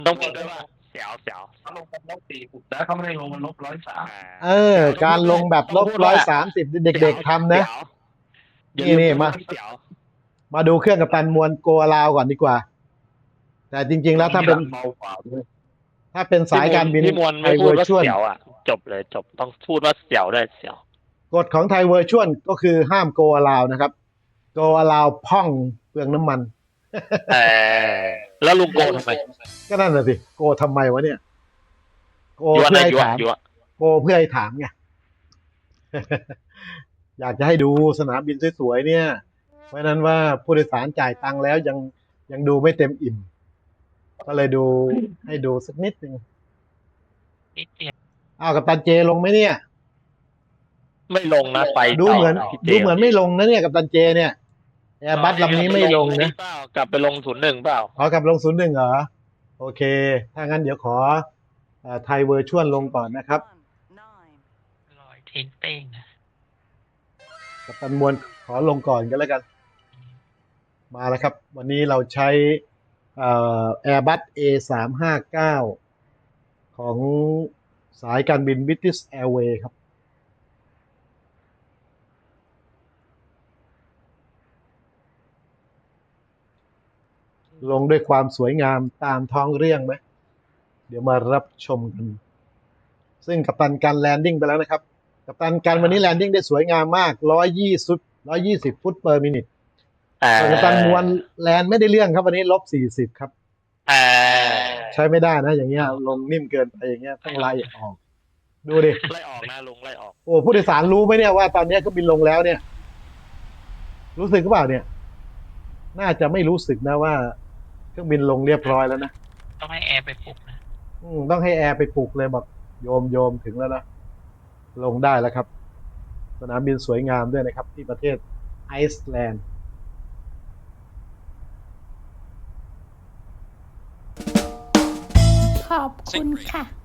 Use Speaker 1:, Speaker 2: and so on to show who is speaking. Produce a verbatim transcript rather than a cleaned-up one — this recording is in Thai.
Speaker 1: ต้องพูดด้วยว่าเสียวเสียว
Speaker 2: เขาลงกันลบสี่สิบแล้วเขาไม่ได้ลงมันลบร้อยสาม
Speaker 3: เออ การลงแบบลบร้อยสามสิบเด็กๆทำนะนี่นี่มามาดูเครื่องกัปตันมวลโกลาวก่อนดีกว่า แต่จริงๆแล้วถ้าเป็นถ้าเป็นสายการบิน
Speaker 1: พี่มวลไม่พูดว่าเสียวอ่ะจบเลยจบต้องพูดว่าเสียวได้เสียว
Speaker 3: กฎของไทยเวอร์ชวลก็คือห้ามโกลาวนะครับโกลาวพ่องเปลืองน้ำมัน
Speaker 1: เออแล้วลุงโกทำไม
Speaker 3: ก็นั่นแหละสิโกทำไมวะเนี่ยโกเพื่อให้ถามโกเพื่อให้ถามไง อยากจะให้ดูสนามบินสวยๆเนี่ยเพราะนั้นว่าผู้โดยสารจ่ายตังค์แล้วยังยังดูไม่เต็มอิ่มก็เลยดูให้ดูสักนิดนึง
Speaker 1: นิดเดียว
Speaker 3: อ้าวกัปตันเจลงไหมเนี่ย
Speaker 1: ไม่ลงนะไป
Speaker 3: ดูเหมือนดูเหมือนไม่ลงนะเนี่ยกัปตันเจเนี่ยแอร์บัสลำนี้ไม่ลงนะ
Speaker 1: กลับไปลงศูนย์หนึ่งเปล่า
Speaker 3: ขอกลับลงศูนย์หนึ่งเหรอโอเคถ้างั้นเดี๋ยวขอไทยเวอร์ชวลลงก่อนนะครับ
Speaker 1: ลอยทิ้งเป้งนะ
Speaker 3: กัปตันมวลขอลงก่อนกันแล้วกันมาแล้วครับวันนี้เราใช้แอร์บัส เอ สามห้าเก้า ของสายการบิน British Airways ครับลงด้วยความสวยงามตามท้องเรื่องไหมเดี๋ยวมารับชมกันซึ่งกัปตันการแลนดิ้งไปแล้วนะครับกัปตันการวันนี้แลนดิ้งได้สวยงามมากหนึ่งร้อยยี่สิบ หนึ่งร้อยยี่สิบฟุต per minute แต่กัปตันมวลแลนไม่ได้เรื่องครับวันนี้ลบสี่สิบครับใช้ไม่ได้นะอย่างเงี้ยลงนิ่มเกินไปอย่างเงี้ยต้องไล่ออกดูดิ
Speaker 1: ไล่ออกนะลงไล่ออก
Speaker 3: โอ้ผู้โดยสารรู้ไหมเนี่ยว่าตอนนี้ก็บินลงแล้วเนี่ยรู้สึกหรือเปล่าเนี่ยน่าจะไม่รู้สึกนะว่าเครื่องบินลงเรียบร้อยแล้วนะ
Speaker 1: ต้องให้แอร์ไปปลุกนะ
Speaker 3: อืมต้องให้แอร์ไปปลุกเลยบอกโยมโยมถึงแล้วนะลงได้แล้วครับสนามบินสวยงามด้วยนะครับที่ประเทศไอซ์แลนด์
Speaker 4: ขอบคุณค่ะ